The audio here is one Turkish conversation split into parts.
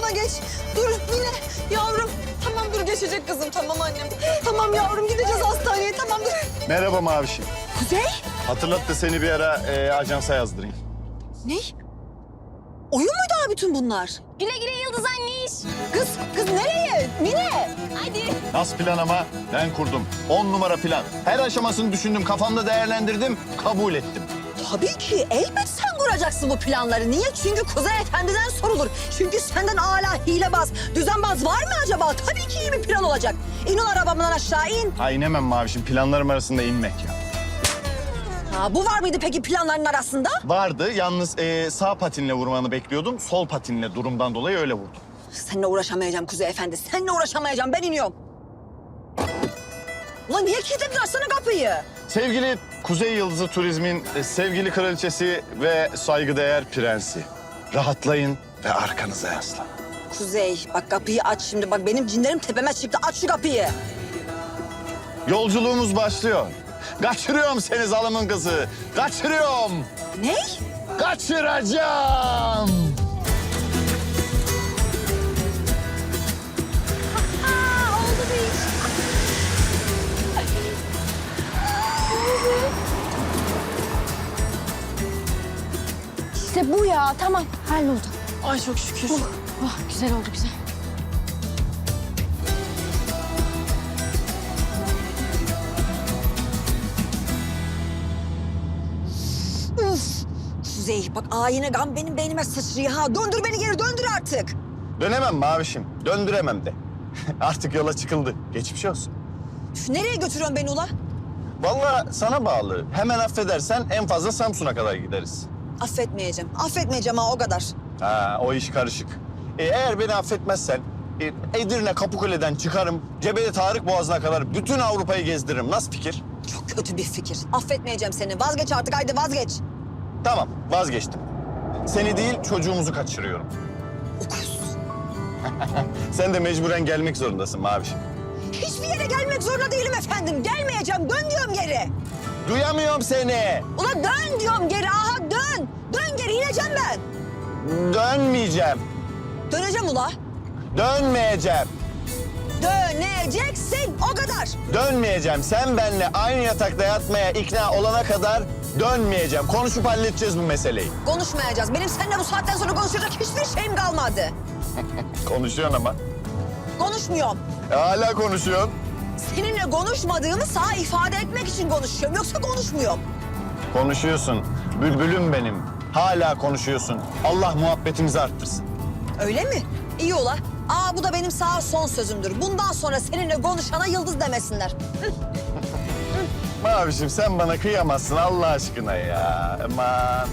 yanıma geç. Dur Mine yavrum. Tamam dur geçecek kızım tamam annem. Tamam yavrum gideceğiz hastaneye tamam dur. Merhaba Mavişim. Kuzey? Hatırlat da seni bir ara ajansa yazdırayım. Ne? Oyun muydu abi bütün bunlar? Güle güle Yıldız anniş. Kız nereye? Mine! Hadi. Nasıl plan ama? Ben kurdum. 10 numara plan. Her aşamasını düşündüm, kafamda değerlendirdim, kabul ettim. Tabii ki elbet sen kuracaksın bu planları. Niye? Çünkü Kuzey Efendi'den sorulur. Çünkü senden âlâ hilebaz, düzenbaz var mı acaba? Tabii ki iyi bir plan olacak. İn ol arabamdan aşağı in. Ha inemem Mavişim, planlarım arasında inmek ya. Ha, bu var mıydı peki planların arasında? Vardı, yalnız sağ patinle vurmanı bekliyordum. Sol patinle durumdan dolayı öyle vurdum. Seninle uğraşamayacağım Kuzey Efendi. Seninle uğraşamayacağım. Ben iniyorum. Ulan niye kilitledin? Açsana kapıyı. Sevgili Kuzey Yıldızı Turizm'in sevgili kraliçesi ve saygıdeğer prensi. Rahatlayın ve arkanıza yaslanın. Kuzey bak kapıyı aç şimdi. Bak benim cinlerim tepeme çıktı. Aç şu kapıyı. Yolculuğumuz başlıyor. Kaçırıyorum seni zalımın kızı. Kaçırıyorum. Ne? Kaçıracağım. Oldu bir iş. İşte bu ya. Tamam. Halloldu. Ay çok şükür. Oh, güzel oldu güzel. Kuzey bak yine gam benim beynime sıçrıyor ha. Döndür beni geri döndür artık. Dönemem Mavişim. Döndüremem de. Artık yola çıkıldı. Geçmiş olsun. Üf, nereye götürüyorsun beni ula? Vallahi sana bağlı. Hemen affedersen en fazla Samsun'a kadar gideriz. Affetmeyeceğim. Affetmeyeceğim ha o kadar. Ha, o iş karışık. Eğer beni affetmezsen Edirne Kapıkule'den çıkarım. Cebeli Tarık Boğazı'na kadar bütün Avrupa'yı gezdiririm. Nasıl fikir? Çok kötü bir fikir. Affetmeyeceğim seni. Vazgeç artık haydi vazgeç. Tamam, vazgeçtim. Seni değil, çocuğumuzu kaçırıyorum. Okuz. Sen de mecburen gelmek zorundasın Mavişim. Hiçbir yere gelmek zorunda değilim efendim. Gelmeyeceğim. Dön diyorum geri. Duyamıyorum seni. Ula dön diyorum geri. Aha dön. Dön geri ineceğim ben. Dönmeyeceğim. Döneceğim ula. Dönmeyeceğim. Döneceksin. O kadar. Dönmeyeceğim. Sen benimle aynı yatakta yatmaya ikna olana kadar dönmeyeceğim. Konuşup halledeceğiz bu meseleyi. Konuşmayacağız. Benim seninle bu saatten sonra konuşacak hiçbir şeyim kalmadı. Konuşuyorsun ama. Konuşmuyorum. Hala konuşuyorsun. Seninle konuşmadığımı sana ifade etmek için konuşuyorum. Yoksa konuşmuyorum. Konuşuyorsun. Bülbülüm benim. Hala konuşuyorsun. Allah muhabbetimizi arttırsın. Öyle mi? İyi ola. Bu da benim sana son sözümdür. Bundan sonra seninle konuşana Yıldız demesinler. Mavişim sen bana kıyamazsın Allah aşkına ya. Aman.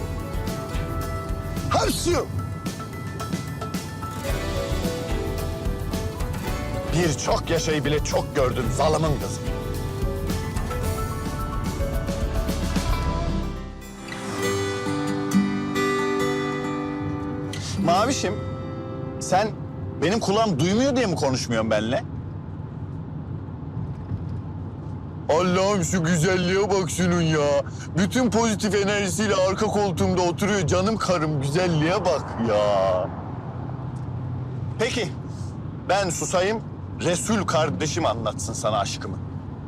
Hapşu. Bir çok yaşayı bile çok gördün zalımın kızı. Mavişim, sen benim kulağım duymuyor diye mi konuşmuyorsun benimle? Allah'ım şu güzelliğe bak şunun ya. Bütün pozitif enerjisiyle arka koltuğumda oturuyor canım karım. Güzelliğe bak ya. Peki, ben susayım. Resul kardeşim anlatsın sana aşkımı.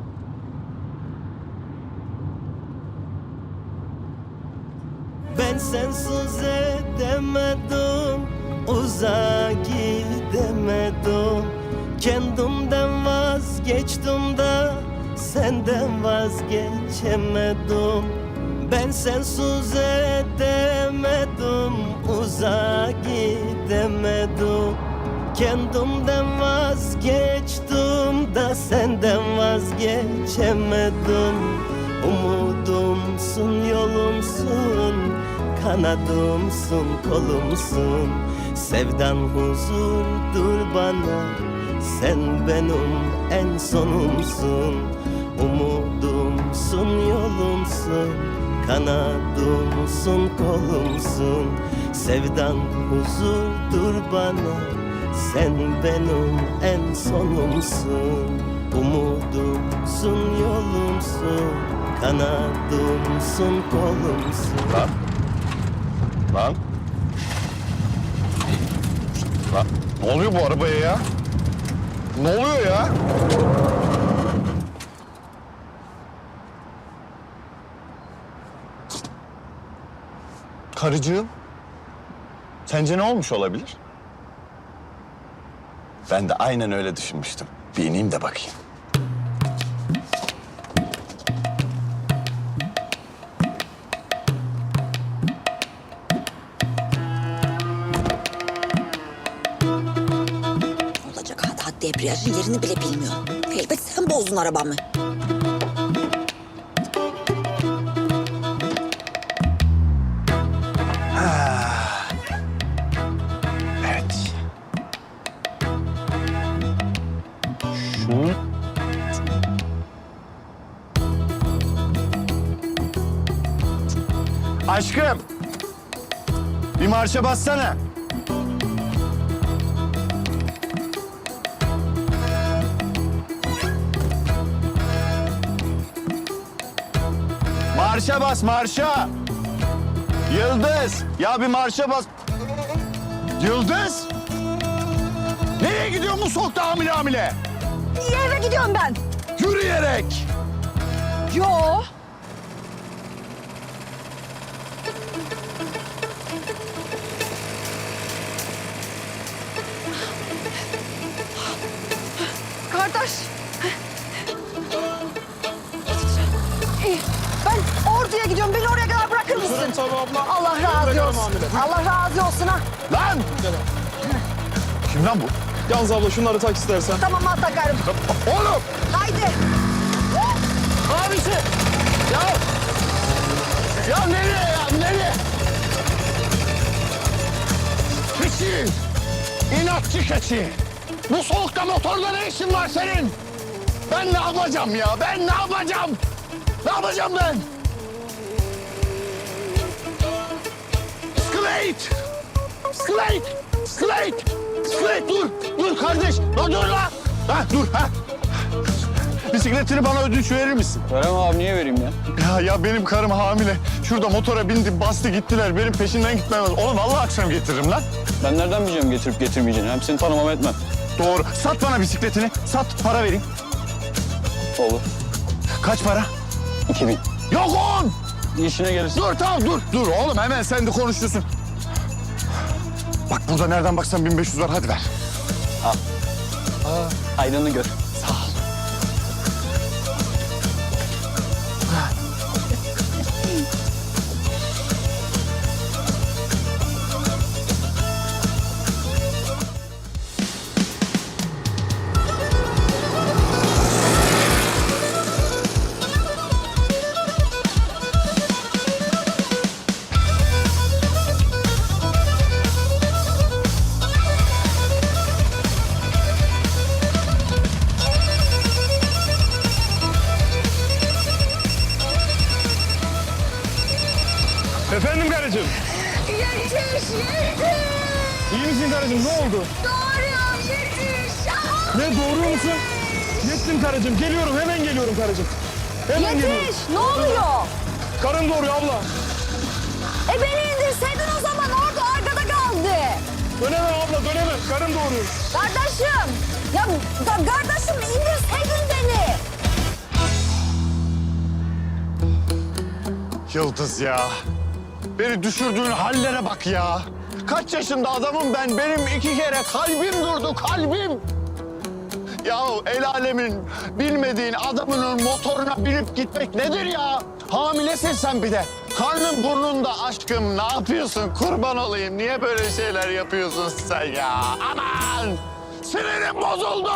Ben sensiz edemedim, uzağa gidemedim. Kendimden vazgeçtim de senden vazgeçemedim. Ben sensiz edemedim, uzağa gidemedim. Kendimden vazgeçtim de senden vazgeçemedim. Umudumsun, yolumsun, kanadımsın, kolumsun. Sevdan huzurdur bana, sen benim en sonumsun. Umudumsun, yolumsun, kanadımsın, kolumsun. Sevdan huzurdur bana, sen benim en sonumsun. Umudumsun, yolumsun, kanadımsın, kolumsun. Lan. Lan. Ne oluyor bu arabaya ya? Ne oluyor ya? Karıcığım, sence ne olmuş olabilir? Ben de aynen öyle düşünmüştüm. Bir ineyim de bakayım. Olacak hatta debriyajın yerini bile bilmiyorum. Elbet sen bozdun arabamı. Evet. Şunu... Aşkım, bir marşa bassana. Marşa bas, marşa. Yıldız, ya bir marşa bas. Yıldız! Nereye gidiyorsun bu soğukta hamile hamile? Niye eve gidiyorum ben? Yürüyerek. Yo. Kardeş. İyi. Ben Ordu'ya gidiyorum. Beni oraya kadar bırakır mısın? Tabii abla. Allah razı olsun. Allah razı olsun ha. Lan! Kim lan bu? Yalnız abla şunları tak istersen. Tamam ha takarım. Oğlum! Haydi. Abisi! Ya! Ya nereye ya? Nereye? Keçi! İnatçı keçi! Bu soğukta motorda ne işin var senin? Ben ne yapacağım ya? Ben ne yapacağım? Ne yapacağım ben? Slate! Slate! Slate! Slate dur! Dur kardeş! Dur la! Ha dur ha! Bisikletini bana ödünç verir misin? Veremem abi, niye vereyim ya? Ya benim karım hamile. Şurada motora bindi, bastı gittiler. Benim peşinden gitmem lazım. Oğlum vallahi akşam getiririm lan. Ben nereden bileceğim getirip getirmeyeceğini? Hem seni tanımam etmem. Doğru. Sat bana bisikletini. Sat, para vereyim. Olur. Kaç para? 2000. Yok 10! İşine gelirsin. Dur tamam dur. Dur oğlum hemen sen de konuşuyorsun. Bak burada nereden baksan 1500 var. Hadi ver. Hayrını gör. Sağ ol. Efendim karıcığım. Yetiş, yetiş. İyi misin karıcığım? Ne oldu? Doğruyorum, yetiş. Ne doğuruyor musun? Yettim karıcığım. Geliyorum. Hemen geliyorum karıcığım. Hemen geliyorum. Yetiş. Ne oluyor? Karın doğuruyor abla. Beni indirseydin o zaman orada arkada kaldı. Dönemem abla dönemem. Karın doğuruyor. Kardeşim. Ya kardeşim indirseydin beni. Yıldız ya. Beni düşürdüğün hallere bak ya. Kaç yaşında adamım ben. Benim 2 kere kalbim durdu, kalbim. Yahu el alemin bilmediğin adamının motoruna binip gitmek nedir ya? Hamilesin sen bir de. Karnın burnunda aşkım. Ne yapıyorsun? Kurban olayım. Niye böyle şeyler yapıyorsun sen ya? Aman! Sinirim bozuldu.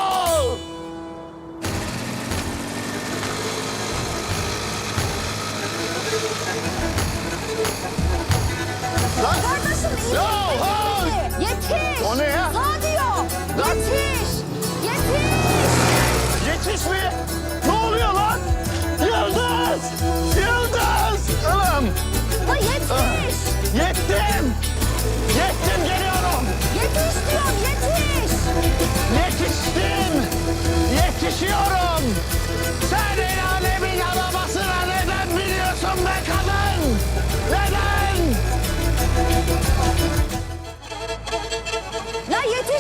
Lan! Kardeşim indir Ya, ha! beni. Yetiş. O ne ya? Sağ diyor. Lan! Yetiş. Yetiş. Yetiş mi? Ne oluyor lan? Yıldız! Yıldız! Ulan! La yetiş. Yettim! Yettim geliyorum! Yetiş diyorum yetiş. Yetiştim! Yetişiyorum! Sen el alemin arabasına neden biniyorsun be kadın? Neden? La yetiş.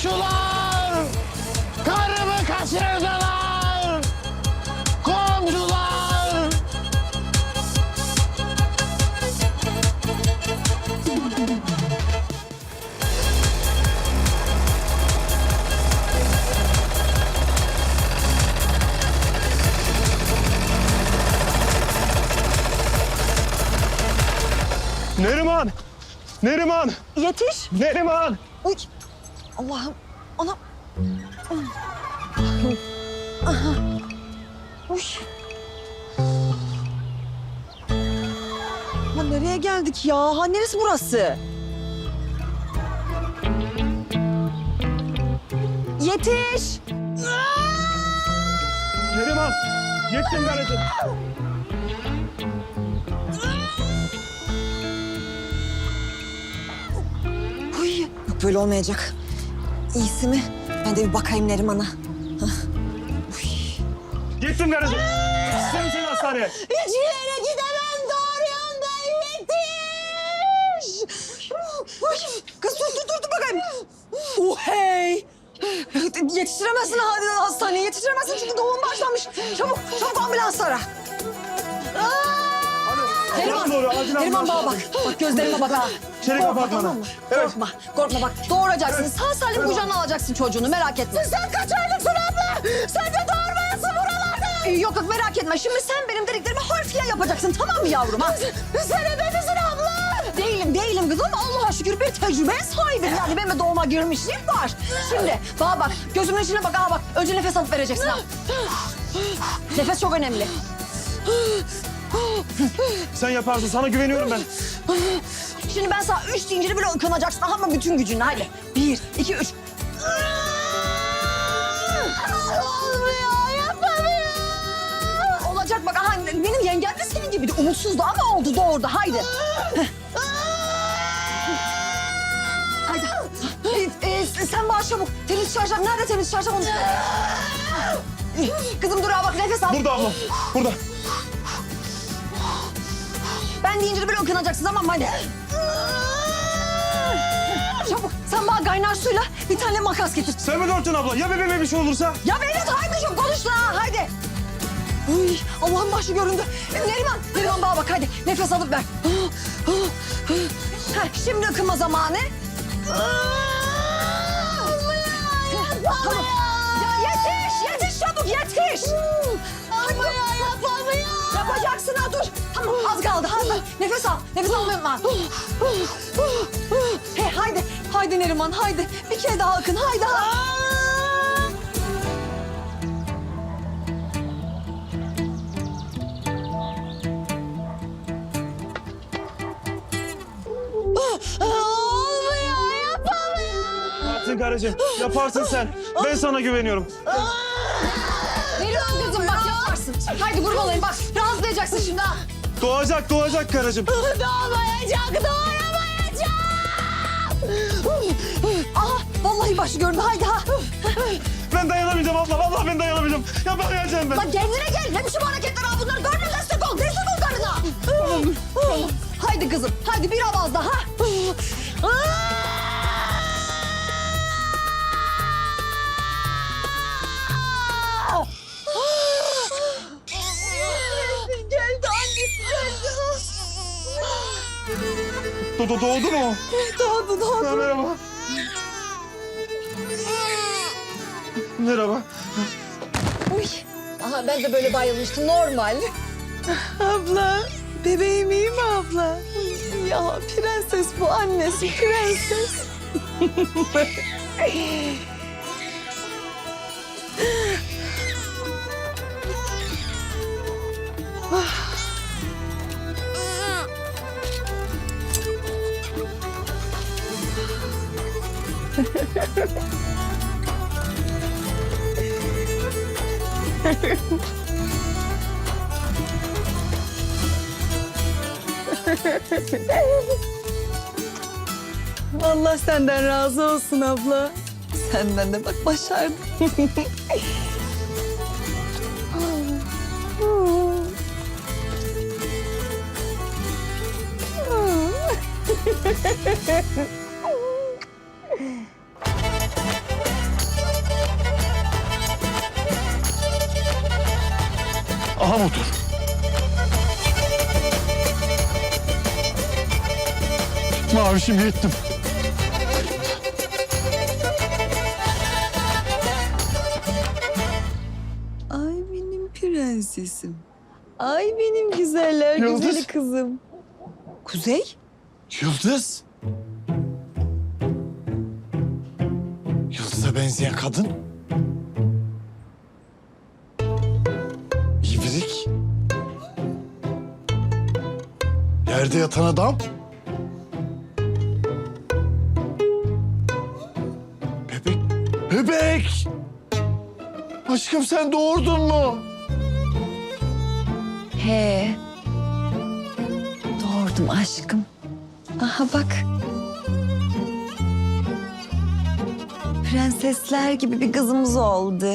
Komşular! Karımı kaçırdılar! Komşular! Neriman! Neriman! Yetiş. Neriman! Uy. Allah'ım. Anam. Aha. Uy. Ha, nereye geldik ya? Ha, neresi burası? Yetiş. Neriman! Yettim karıcığım. Uy. Yok böyle olmayacak. İyisi mi? Ben de bir bakayım Neriman'a. Yettim karıcığım. Sen seni hastaneye. Hiç yere gidemem doğruyorum ben yetiş. Kız dur bakayım. Hey. Yetiştiremezsin hastaneye yetiştiremezsin çünkü doğum başlamış. Çabuk ambulans ara. Neriman, Doğru, acil Neriman ambulans. bana bak. Bak gözlerime bak ha. Çelik Korkma, apartmana. tamam mı? Evet. Korkma bak. Doğuracaksın. Sağ salim kucağına alacaksın çocuğunu merak etme. Sen kaç aylıksın abla? Sen de doğurmayasın buralarda. Yok merak etme. Şimdi sen benim dediklerimi harfiyen yapacaksın tamam mı yavrum? Ha? Sen ebedisin abla. Değilim kızım. Allah'a şükür bir tecrübeye sahibim. Yani benim de doğuma girmişliğim var. Şimdi bak gözümün içine bak. Bak önce nefes alıp vereceksin ha. Nefes çok önemli. Sen yaparsın. Sana güveniyorum ben. Şimdi ben sana 3 deyince böyle ıkınacaksın ama bütün gücünle hadi. 1, 2, 3. Olmuyor, yapamıyorum. Olacak bak aha benim yengem de senin gibiydi. Umutsuzdu ama oldu doğurdu haydi. Haydi. Sen bana çabuk. Temiz çarşaf. Nerede temiz çarşaf onu? Kızım dur ha bak nefes al. Burada abla. Burada. Ben deyince de böyle ıkınacaksın tamam mı hadi. Çabuk sen bana kaynar suyla bir tane makas getir. Sen mi dörtün abla? Ya bebeğime bir şey olursa? Ya Mehmet haydi çok konuşma ha haydi. Uy Allah'ın başı göründü. Neriman bana bak hadi nefes alıp ver. Şimdi ıkınma zamanı. Tamam. Ya yetiş çabuk yetiş. Yapamıyor. Yapacaksın ha dur. Tamam az kaldı. Nefes almayı unutma. Haydi Neriman haydi. Bir kere daha ıkın haydi. Olmuyor yapamıyorum. Yaparsın karıcığım. Yaparsın sen. Ben sana güveniyorum. Neriman kızım bak yaparsın. Haydi kurban olayım bak rahatlayacaksın şimdi ha. Doğacak karıcığım. Doğamayacak. Aha vallahi başı göründü haydi ha. Ben dayanamayacağım abla. Vallahi ben dayanamayacağım. Yapamayacağım ben. Lan kendine gel. Ne biçim hareketler ha bunlar? Görme destek ol karına. Haydi kızım. Haydi bir avaz daha. Geldi annesi geldi. Doğdu mu? Doğdu. Ha, merhaba. Merhaba. Uy. Aha ben de böyle bayılmıştım normal. Abla, bebeğim iyi mi abla? Ya prenses bu annesi prenses. Allah senden razı olsun abla. Senden de bak başardın. Aha motor. Mavişim yettim. Ay benim prensesim. Ay benim güzeller Yıldız. güzeli kızım. Kuzey? Yıldız. Yıldız'a benzeyen kadın. İbrik. Yerde yatan adam. Bebek. Bebek! Aşkım sen doğurdun mu? He. Doğurdum aşkım. Aha bak. Prensesler gibi bir kızımız oldu.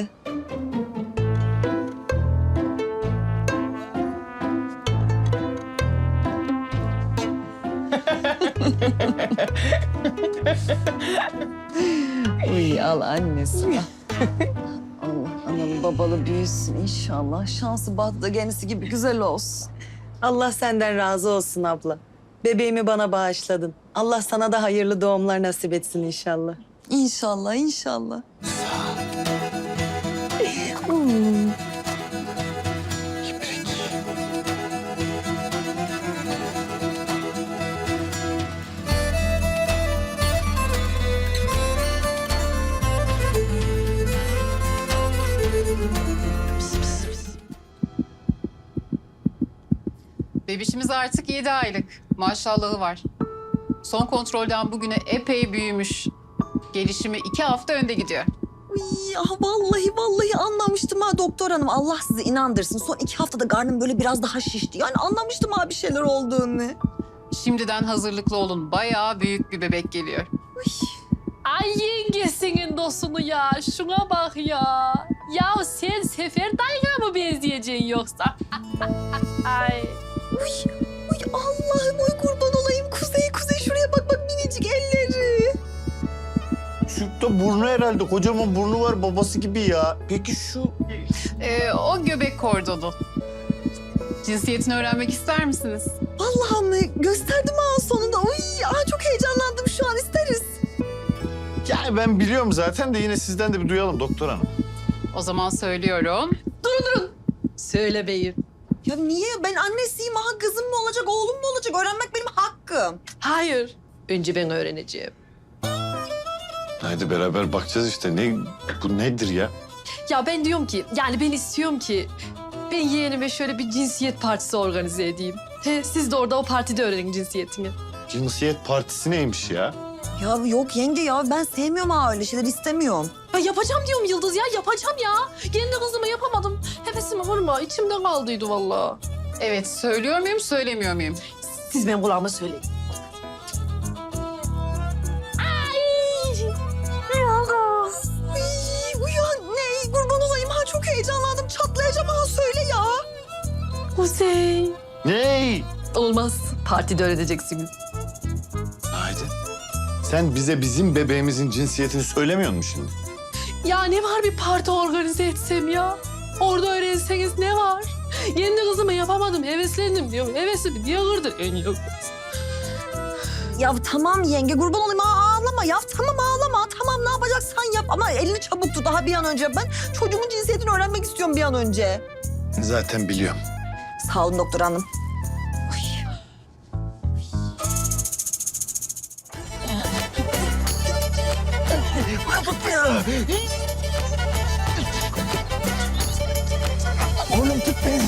Uy al annesi. Allah analı babalı büyüsün inşallah. Şansı battı genisi gibi güzel olsun. Allah senden razı olsun abla. Bebeğimi bana bağışladın. Allah sana da hayırlı doğumlar nasip etsin inşallah. İnşallah, inşallah. Bebişimiz artık 7 aylık. Maşallahı var. Son kontrolden bugüne epey büyümüş. Gelişimi 2 hafta önde gidiyor. Uy, vallahi anlamıştım ha doktor hanım. Allah sizi inandırsın. Son 2 haftada karnım böyle biraz daha şişti. Yani anlamıştım ha bir şeyler olduğunu. Şimdiden hazırlıklı olun. Bayağı büyük bir bebek geliyor. Ay yengesinin dostunu ya. Şuna bak ya. Ya sen Sefer dayına mı benzeyeceksin yoksa? Ay. Uy Allah'ım oy kurban olayım. Kuzey şuraya bak minicik elleri. Şu da burnu herhalde. Kocaman burnu var babası gibi ya. Peki şu... O göbek kordonu. Cinsiyetini öğrenmek ister misiniz? Vallahi mı? Gösterdim ha sonunda. Uy çok heyecanlandım şu an isteriz. Yani ben biliyorum zaten de yine sizden de bir duyalım doktor hanım. O zaman söylüyorum. Söyle beyim. Ya niye? Ben annesiyim ha. Kızım mı olacak, oğlum mu olacak? Öğrenmek benim hakkım. Hayır. Önce ben öğreneceğim. Haydi beraber bakacağız işte. Bu nedir ya? Ya ben diyorum ki, yani ben istiyorum ki ben yeğenime şöyle bir cinsiyet partisi organize edeyim. Siz de orada o partide öğrenin cinsiyetini. Cinsiyet partisi neymiş ya? Ya yok yenge ya ben sevmiyorum ha öyle şeyler istemiyorum. Ya yapacağım diyorum Yıldız ya, yapacağım ya. Kendi kızıma yapamadım. Hevesimi vurma, içimde kaldıydı vallahi. Evet, söylüyor muyum, söylemiyor muyum? Siz benim kulağıma söyleyin. Uyan ne? Kurban olayım ha çok heyecanlandım. Çatlayacağım ha söyle ya. Kuzey. Ney? Olmaz. Partide öğreneceksiniz. Haydi. Sen bize bizim bebeğimizin cinsiyetini söylemiyor musun şimdi? Ya ne var bir parti organize etsem ya? Orada öğrenseniz ne var? Kendi kızıma yapamadım, heveslendim diyorum. Hevesimi diye kırdın en yok. Ya tamam yenge kurban olayım ha ağlama ya. Tamam ağlama tamam ne yapacaksan yap. Ama elini çabuk tut daha bir an önce. Ben çocuğumun cinsiyetini öğrenmek istiyorum bir an önce. Zaten biliyorum. Sağ olun doktor hanım. Oğlum tut beni.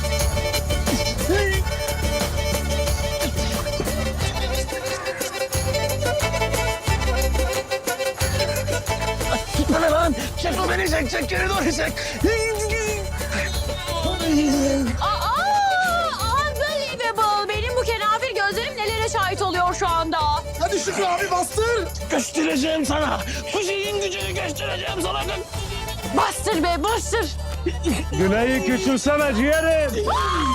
Tutma lan. Çek o beni çek geri doğru çek. Unbelievable. Benim bu kenafir gözlerim nelere şahit oluyor şu anda. Hadi Şükrü abi bastır. Göstereceğim sana. Kuzey'in gücünü göstereceğim sana. Bastır be bastır. Güney'i küçülsene ciğerim.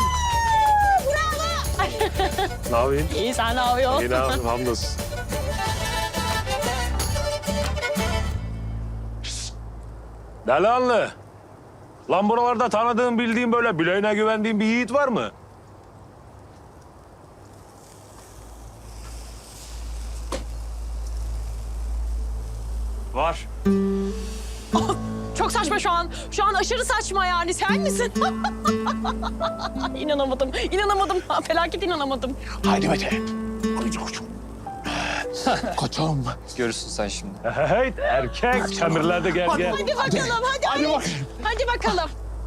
Ne yapayım? İyi sen ne yapıyorsun? İyi ne yapayım hamdolsun. Delanlı. Lan buralarda tanıdığın, bildiğin böyle bileğine güvendiğin bir yiğit var mı? Var. Çok saçma şu an. Şu an aşırı saçma yani. Sen misin? İnanamadım. İnanamadım. Felaket inanamadım. Haydi Mete. Haydi koçum. Koçum. Görürsün sen şimdi. Hey erkek, çemirlerde gel gel. Hadi bakalım. Hadi. Hadi bakalım.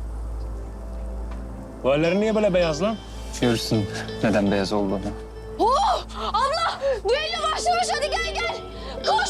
Bu ellerin niye böyle beyaz lan? Görürsün neden beyaz olduğunu. Oh! Abla! Düello başlamış. Hadi gel. Koş.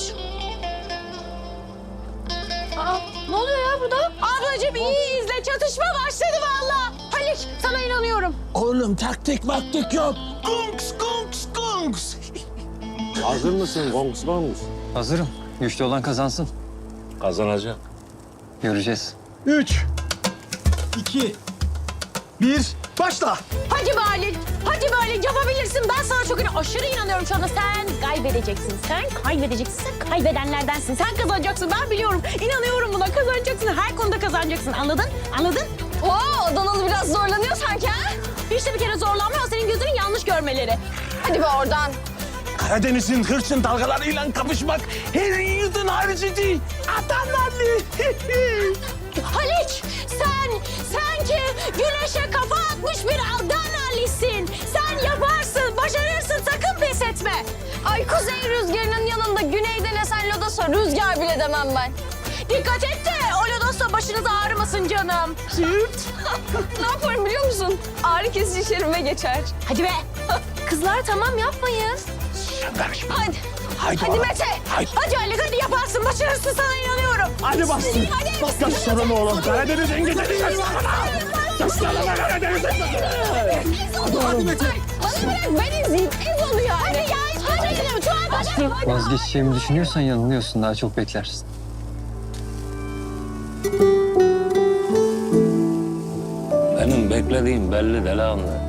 Aa, ne oluyor ya burada? Ablacığım iyi izle. Çatışma başladı vallahi. Halik sana inanıyorum. Oğlum taktik maktik yok. Kunks kunks kunks. Hazır mısın? Kongs kongs. Hazırım. Güçlü olan kazansın. Kazanacak. Göreceğiz. 3, 2, 1, başla. Hadi Halil. Hadi böyle yapabilirsin. Ben sana çok aşırı inanıyorum şu anda. Sen kaybedeceksin. Sen kaybedenlerdensin. Sen kazanacaksın. Ben biliyorum. İnanıyorum buna. Kazanacaksın. Her konuda kazanacaksın. Anladın? Oo, Adanalı biraz zorlanıyor sanki ha? Hiç de bir kere zorlanmıyor. Senin gözünün yanlış görmeleri. Hadi be oradan. Karadeniz'in hırçın dalgalarıyla kapışmak her yiğidin harcı değil. Adanalı. Haliç, sen ki güneşe kafa atmış bir Adanalisin. Sen yaparsın, başarırsın. Sakın pes etme. Ay kuzey rüzgarının yanında güneyden esen lodosa rüzgar bile demem ben. Dikkat et de o lodosa başınız ağrımasın canım. Ne yaparım biliyor musun? Ağrı kesici şerime geçer. Hadi be. Kızlar tamam yapmayın. Hadi. Hadi Mete. Hadi Ali hadi yaparsın. Başarırsın sana inanıyorum. Hadi bastın. Hadi. Gösterin oğlum. Karadeniz'in güzeli. Gösterin Karadeniz'in Hadi Mete. Bana bırak ben izleyeyim. Ez oluyor yani. Hadi ya. Hadi. Vazgeçeceğimi düşünüyorsan yanılıyorsun. Daha çok beklersin. Benim beklediğim belli delikanlı.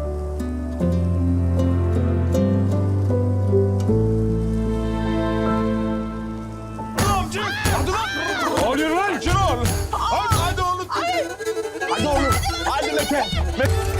Ne oluyor lan? Şunu ol. Hadi oğlum. Hadi oğlum. Hadi Mete.